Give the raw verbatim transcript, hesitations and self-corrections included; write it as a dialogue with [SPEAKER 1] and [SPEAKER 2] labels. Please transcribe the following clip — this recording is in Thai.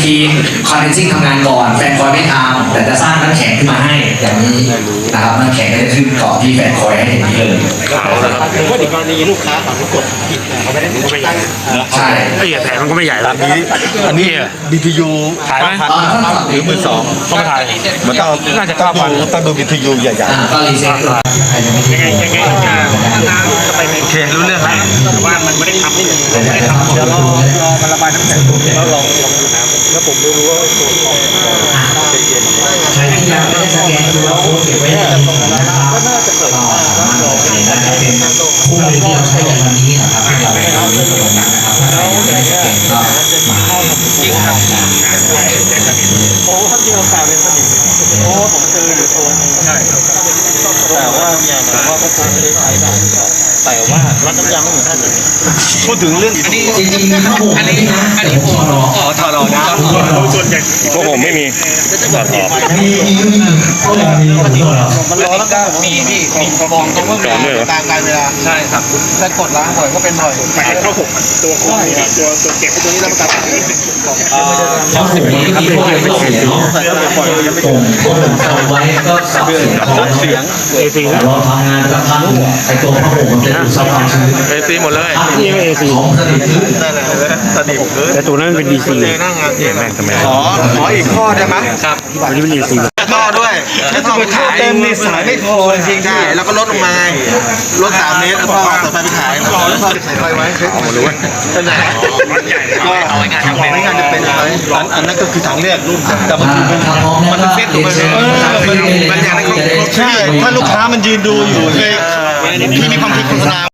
[SPEAKER 1] ทีมคอนเนนซิ่งทำงานก่อนแฟนคอยไม่ทำแต่จะสร้างน้ำแข็งขึ้นมาให้อย่างนี้นะครับน้ำแข็งก็จะขึ้นเกาะที่แฟนคอยให้อย่างนี้เลย
[SPEAKER 2] ว่าในกรณีลูกค้าฝั่งกดผิดเขาไม่ได้ไม่ใหญ่
[SPEAKER 1] ใช่
[SPEAKER 3] ไอ้แผงมันก็ไม่ใหญ่แล้ว
[SPEAKER 4] อันนี้อันนี้ บี ที ยู
[SPEAKER 3] ขายไหม
[SPEAKER 1] ตอนนั้น
[SPEAKER 4] หรือมือสอง
[SPEAKER 3] ต้องมาถ่าย
[SPEAKER 4] มันต้อง
[SPEAKER 3] น่าจะเก้าพัน
[SPEAKER 4] ต้องดู บี ที ยู ใหญ่
[SPEAKER 1] อ่าก็รีเซ็ตด้วย
[SPEAKER 3] ยังไงยังไงจะไปในเครู้เรื่องแล้วแต่ว่ามันไม่ได้ทำนี่ไม่ได้ทำเดี๋ยวรอรอมันระบายน้ำแข็งแล้วลองลองดูน้ำแล้วผมไม่รู้ว่าตัวของ
[SPEAKER 1] ใครที่ยังไม่ได้สแกนดูแล้วโค้ดเก็บไว้ในตรงนั้นนะครับก็สามารถโหลดเองได้เป็นคู่มือที่เราใช้กันวันนี้นะครับที่เราเราเลือกตรงนั้นนะครับถ้าใครยังไม่ได้สแกนก็มาได้นะครับ
[SPEAKER 2] โอ้ท่านที่เราแปลเป็นสนิมโอ้ผมเจออยู่ตัวนึงใช่ครับแต่ว่าอย่างแต่ว่าก็คงไม่ได้ใช้ได้แต่ว่ารัดน้ำยางไม่เหมือนท่านเลย
[SPEAKER 4] ๆพูดถึงเรื่อง
[SPEAKER 1] จริงๆถ้าผมอันนี้อันนี้ผมรอ
[SPEAKER 2] อ๋อถอดออกนะ
[SPEAKER 3] ส่วนใหญ่พวกผมไม่มีถอดออก
[SPEAKER 1] มีมีมีก็ยังมีอยู่เหรอ
[SPEAKER 2] มันร้อนแล้วก็มีพี่มีฟองต้องเวลาตามการเวลาใช่ครับถ้ากดล้างบ่อยก็เป็นบ่อย
[SPEAKER 3] ไปเข้าหกตัวโค้งตัวตัวเก็บ
[SPEAKER 2] ตัวนี้เราตัด
[SPEAKER 1] เพราะผมมันก็มีข้อไม่เสียเนาะส่งข้อมูลเอาไว้ก็สับเสียงของเสียง
[SPEAKER 3] เอซี
[SPEAKER 1] เราทำงานกับท่านไอตัวผ้าห่มมันจะดูดซับความชื้น
[SPEAKER 3] เอซีหมดเลย
[SPEAKER 1] นี่เอซีของสนิทขึ้น
[SPEAKER 2] นั่นแหละสนิมเลย
[SPEAKER 3] แต่ตัวนั้นเป็นดีซี
[SPEAKER 2] เจอหน้างานเอง
[SPEAKER 3] แม่งทำไม
[SPEAKER 4] ขอขออีกข้อได้ไหม
[SPEAKER 2] ครับ
[SPEAKER 3] วันนี้เป็นดีซี
[SPEAKER 2] ท่อด้วยถ้าท่อไปขายเต็มนี่สายไม่พอจริงๆใช่แล้วก็ลดลงมาลดสามเมตรแล้วท่อต่อไปไปขายแล้วท่อใส่ไฟไว้เช็คของมันด้วยเป็นไงก็เอาไว้งานจำเป็นงานจะเป็นอะไรอันนั้นก็คือทางเลือกรุ่นแต่มัน
[SPEAKER 1] ถ้าพร้อมแล้วก็เซ็ตตัวเออ
[SPEAKER 2] มันอย่างนั้นใช่ถ้าลูกค้ามันยืนดูอยู่พี่มีความคิดโฆษณา